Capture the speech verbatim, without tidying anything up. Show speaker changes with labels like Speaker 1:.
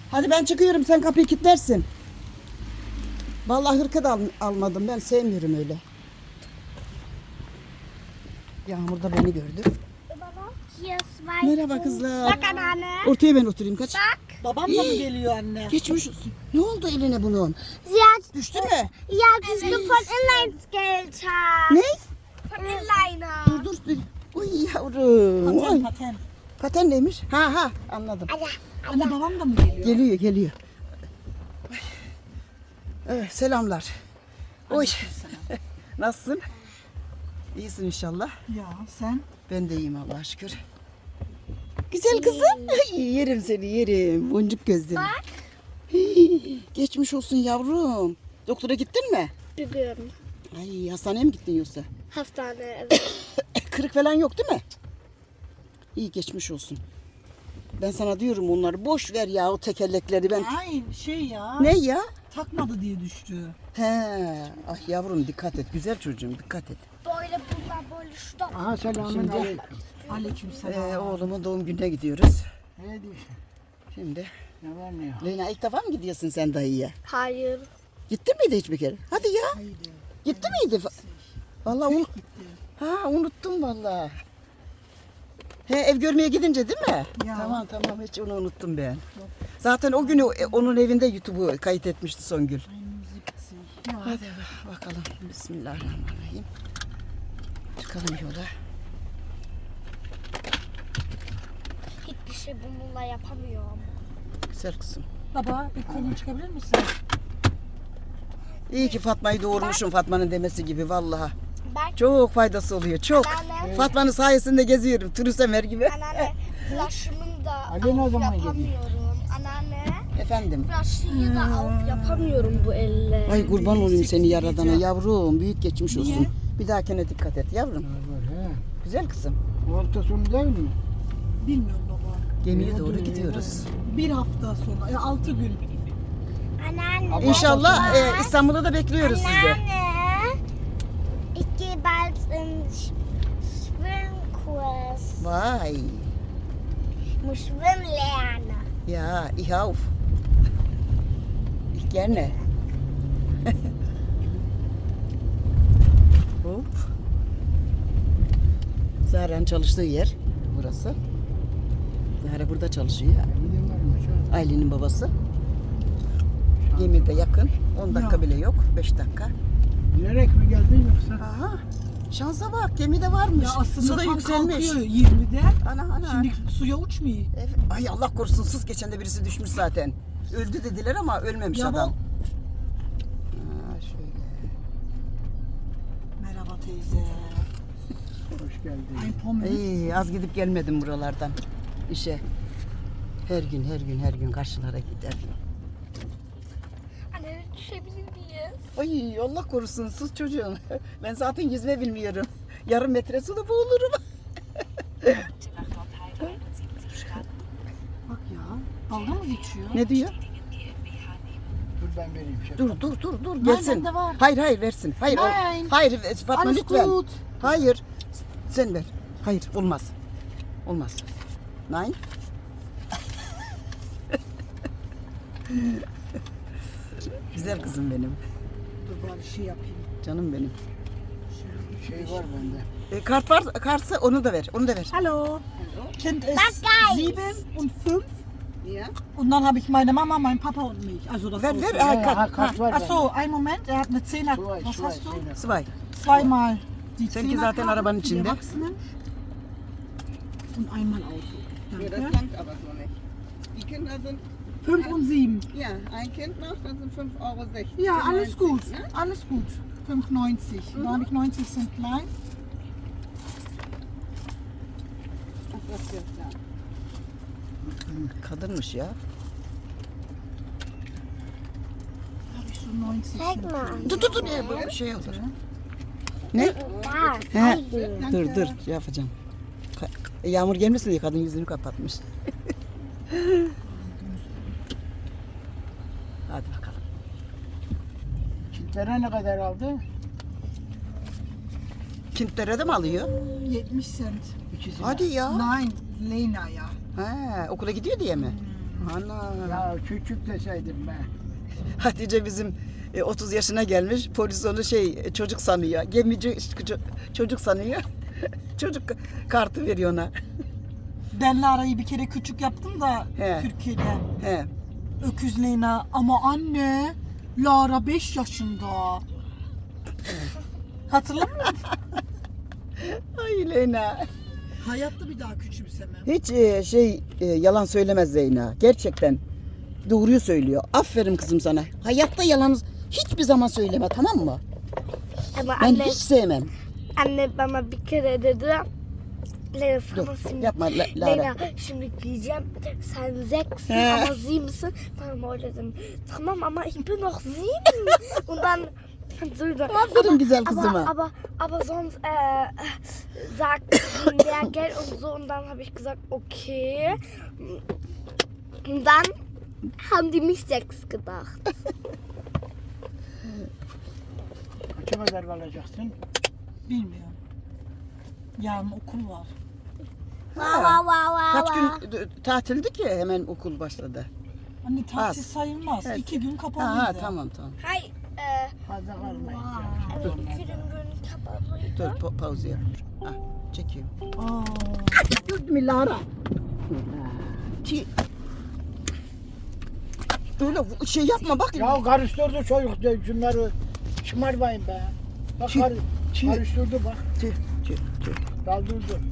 Speaker 1: Hadi ben çıkıyorum, sen kapıyı kilitlersin. Vallahi hırka da al, almadım, ben sevmiyorum öyle. Yağmur da beni gördü. Merhaba kızlar.
Speaker 2: Bak anneanne.
Speaker 1: Ortaya ben oturayım, kaç.
Speaker 2: Bak.
Speaker 3: Babam da mı geliyor anne?
Speaker 1: Geçmiş olsun. Ne oldu eline bunun?
Speaker 2: Sie
Speaker 1: Düştü mü?
Speaker 2: ja, das ist von Inlinesgelder.
Speaker 1: Ne?
Speaker 2: Von Inliner.
Speaker 1: Dur dur dur. Uy yavrum.
Speaker 3: Paten
Speaker 1: Ay.
Speaker 3: paten.
Speaker 1: Paten neymiş? Ha ha, anladım.
Speaker 3: Anne babam da mı geliyor?
Speaker 1: Geliyor geliyor. Ay. Evet, selamlar. Oy. Nasılsın? İyisin inşallah.
Speaker 3: Ya sen?
Speaker 1: Ben de iyiyim Allah'a şükür. Güzel kızım. Ay, yerim seni yerim. Boncuk gözlerim.
Speaker 2: Bak.
Speaker 1: Hii, geçmiş olsun yavrum. Doktora gittin mi?
Speaker 2: Bugün
Speaker 1: Ay, hastaneye mi gittin yoksa?
Speaker 2: hastane evet.
Speaker 1: Kırık falan yok değil mi? İyi, geçmiş olsun. Ben sana diyorum onları boş ver ya, o tekerlekleri ben.
Speaker 3: Ay şey ya.
Speaker 1: Ne ya?
Speaker 3: Takmadı diye düştü.
Speaker 1: He. Ah yavrum dikkat et. Güzel çocuğum dikkat et.
Speaker 2: Böyle bunlar böyle şurada.
Speaker 4: Aha selamun
Speaker 1: Şimdi-
Speaker 4: aleyküm.
Speaker 3: Aleykümselam.
Speaker 1: Ee, oğlumun doğum gününe gidiyoruz.
Speaker 4: Ne diyorsun?
Speaker 1: Şimdi.
Speaker 4: Ne var ne yok?
Speaker 1: Leyla, ilk defa mı gidiyorsun sen dayıya?
Speaker 2: Hayır.
Speaker 1: Gittin miydi hiç bir kere? Hadi ya.
Speaker 3: Haydi.
Speaker 1: Gitti miydi? Vallahi un...
Speaker 3: Gitti.
Speaker 1: Ha, unuttum vallahi. He, ev görmeye gidince değil mi?
Speaker 3: Ya.
Speaker 1: Tamam tamam, hiç onu unuttum ben. Zaten o günü e, onun evinde YouTube'u kayıt etmişti Songül.
Speaker 3: Ay müzik. Ya.
Speaker 1: Hadi bakalım. Bismillahirrahmanirrahim. Çıkalım yola.
Speaker 2: Hiçbir şey bununla yapamıyorum.
Speaker 1: Güzel kızım.
Speaker 3: Baba bir kolunu çıkabilir misin?
Speaker 1: İyi ki Fatma'yı doğurmuşum, Fatma'nın demesi gibi vallahi.
Speaker 2: Bak
Speaker 1: Çok faydası oluyor, çok.
Speaker 2: anneanne.
Speaker 1: Fatma'nın sayesinde geziyorum, turist Ömer gibi.
Speaker 2: Anneanne flaşımın da
Speaker 4: Ali ne
Speaker 2: av
Speaker 4: zaman geliyor?
Speaker 2: yapamıyorum. Anneanne
Speaker 1: Efendim.
Speaker 2: flaşıyı da av yapamıyorum bu elle.
Speaker 1: Ay kurban olayım seni yaradana yavrum, büyük geçmiş olsun.
Speaker 3: Niye?
Speaker 1: Bir dahakine dikkat et yavrum.
Speaker 4: Var var he.
Speaker 1: Güzel kızım.
Speaker 4: Bu hafta sonu değil mi?
Speaker 3: Bilmiyorum baba.
Speaker 1: Gemiye doğru gidiyoruz.
Speaker 3: Bir hafta sonra. Ya altı gün.
Speaker 2: Anneanne.
Speaker 1: İnşallah e, İstanbul'da da bekliyoruz sizi.
Speaker 2: Anneanne. Ich gehe bald in Schwimmkurs.
Speaker 1: Vay.
Speaker 2: Ich muss schwimmen lernen.
Speaker 1: Ya, ich auf. Ich gerne. Hop. Zahra'nın çalıştığı yer burası. Zahra burada çalışıyor.
Speaker 4: Gidin varmış ha.
Speaker 1: Aylin'in babası. Gemide yakın. on dakika
Speaker 3: Ya.
Speaker 1: bile yok. beş dakika.
Speaker 4: Bilerek mi geldin yoksa?
Speaker 1: Aha. Şansa bak, gemide varmış.
Speaker 3: Ya aslında
Speaker 1: Su da
Speaker 3: tam
Speaker 1: yükselmiş.
Speaker 3: kalkıyor yirmide.
Speaker 1: Ana ana.
Speaker 3: Şimdi suya uçmuyor.
Speaker 1: Evet. Ay Allah korusun, sus, geçen de birisi düşmüş zaten. Öldü dediler ama ölmemiş
Speaker 3: Ya bu-
Speaker 1: adam. Ha, şöyle.
Speaker 3: Merhaba teyze.
Speaker 4: Hoş geldin.
Speaker 3: Ein Pommes.
Speaker 1: İyi, az gidip gelmedim buralardan işe. Her gün her gün her gün karşılara giderdim.
Speaker 2: Anne düşebilir miyiz?
Speaker 1: Ay Allah korusun, sus çocuğum. Ben zaten yüzme bilmiyorum. Yarım metre suda boğulurum.
Speaker 3: Bak ya. Dalga mı geçiyor?
Speaker 1: Ne diyor?
Speaker 4: Dur ben vereyim şef.
Speaker 1: Dur dur dur dur
Speaker 3: Nein,
Speaker 1: gelsin.
Speaker 3: bende var.
Speaker 1: Hayır hayır versin. Hayır o-
Speaker 3: Nein.
Speaker 1: hayır Fatma
Speaker 3: Alles
Speaker 1: lütfen.
Speaker 3: gut.
Speaker 1: Hayır. Sen ver. Hayır olmaz. Olmaz. Nein. Güzel kızım benim.
Speaker 3: Dur bari şey yapayım.
Speaker 1: Canım benim.
Speaker 4: Şey var bende.
Speaker 1: E, kart var, kartsa onu da ver. Onu da ver.
Speaker 3: Hallo. Kind ist
Speaker 2: Bak, guys.
Speaker 3: sieben und fünf.
Speaker 1: Ya.
Speaker 3: Und dann habe ich meine Mama, mein Papa und mich. Also das
Speaker 1: Ver
Speaker 3: Auto.
Speaker 1: ver.
Speaker 4: Ja,
Speaker 1: Ha,
Speaker 4: ja,
Speaker 1: kart.
Speaker 4: kart var
Speaker 3: Ach
Speaker 4: bende.
Speaker 3: so, einen Moment. Er hat eine Zehner.
Speaker 4: Zwei,
Speaker 3: Was
Speaker 4: zwei,
Speaker 3: hast du?
Speaker 4: Zehner.
Speaker 1: Svay.
Speaker 3: Zweimal die
Speaker 1: Seninki
Speaker 3: Zehnerkarte
Speaker 1: zaten arabanın
Speaker 3: für die
Speaker 1: içinde.
Speaker 3: Erwachsenen und einmal Auto. Danke.
Speaker 1: langt aber so nicht. Die Kinder sind,
Speaker 3: Fünf und sieben.
Speaker 1: ja, ein Kind noch, das sind fünf Euro sechzig.
Speaker 3: Ja, alles gut.
Speaker 1: Ne?
Speaker 3: Alles gut. fünf neunzig. Da habe ich neunzig Cent klein.
Speaker 1: Kadınmış ya.
Speaker 3: Da habe ich so neunzig
Speaker 2: Zeig
Speaker 3: Cent.
Speaker 2: mal.
Speaker 1: Dur dur dur. Ne, bu şey olur. Ne?
Speaker 2: Da,
Speaker 1: He.
Speaker 2: zeigen.
Speaker 1: Dur dur şey yapacağım. Ka- e, Yağmur gelmesin diye kadın yüzünü kapatmış. Hadi bakalım.
Speaker 4: Çitlere ne kadar aldı?
Speaker 1: Kintlere de mi alıyor?
Speaker 3: yetmiş Cent.
Speaker 4: İkisine.
Speaker 1: Hadi ya.
Speaker 3: Nein, Lena ja.
Speaker 1: Ha, okula gidiyor diye mi? Ana.
Speaker 4: Ya küçük deseydim ben.
Speaker 1: Hatice bizim e, otuz yaşına gelmiş. Polis onu şey e, çocuk sanıyor. Gemici ço- çocuk sanıyor. Çocuk kartı veriyor ona.
Speaker 3: Ben Lara'yı bir kere küçük yaptım da
Speaker 1: He.
Speaker 3: Türkiye'de.
Speaker 1: He.
Speaker 3: Öküz Leyna. Ama anne, Lara beş yaşında. Hatırlamıyor musun?
Speaker 1: Ay Leyna.
Speaker 3: Hayatta bir daha küçümsemem.
Speaker 1: Hiç e, şey e, yalan söylemez Zeyna. Gerçekten doğruyu söylüyor. Aferin kızım sana. Hayatta yalan hiçbir zaman söyleme, tamam mı?
Speaker 2: Ama
Speaker 1: Ben
Speaker 2: anne,
Speaker 1: hiç sevmem.
Speaker 2: anne bana bir kere dedi. Leyla
Speaker 1: Dur,
Speaker 2: sana şimdi,
Speaker 1: yapma La- Lara.
Speaker 2: Leyla şimdi diyeceğim sen zeksin
Speaker 1: He.
Speaker 2: ama sie misin? Ben öyle dedim. Tamam ama ich bin noch sieben. Und dann so,
Speaker 1: Aferin güzel kızıma.
Speaker 2: Aber, aber, aber sonst äh, sagt sie mehr Geld und so. Und dann habe ich gesagt, okay. Und dann haben die mich sechs gedacht.
Speaker 4: Kaça kadar kalacaksın?
Speaker 3: Bilmiyorum. Yarın okul var.
Speaker 2: Wow, wow, wow,
Speaker 1: Kaç
Speaker 2: wow.
Speaker 1: gün e, tatildi ki hemen okul başladı.
Speaker 3: Anne tatil
Speaker 1: Az.
Speaker 3: sayılmaz.
Speaker 1: Evet.
Speaker 3: İki gün
Speaker 1: Ha,
Speaker 3: kapalıydı.
Speaker 1: ha tamam tamam.
Speaker 2: Hi, äh,
Speaker 4: Fazla kalmayın.
Speaker 2: evet, iki gün kapalıydı.
Speaker 1: Dur pa- pauze yap. Ah, çekiyor.
Speaker 3: Aa,
Speaker 1: Dur mi Lara? Ki öyle bu- şey yapma bak.
Speaker 4: Ya karıştırdı çocuk de şunları şımarmayın be. Bak
Speaker 1: Çi-
Speaker 4: kar,
Speaker 1: çi-
Speaker 4: karıştırdı bak.
Speaker 1: Tüh, tüh, tüh.
Speaker 4: Daldırdı.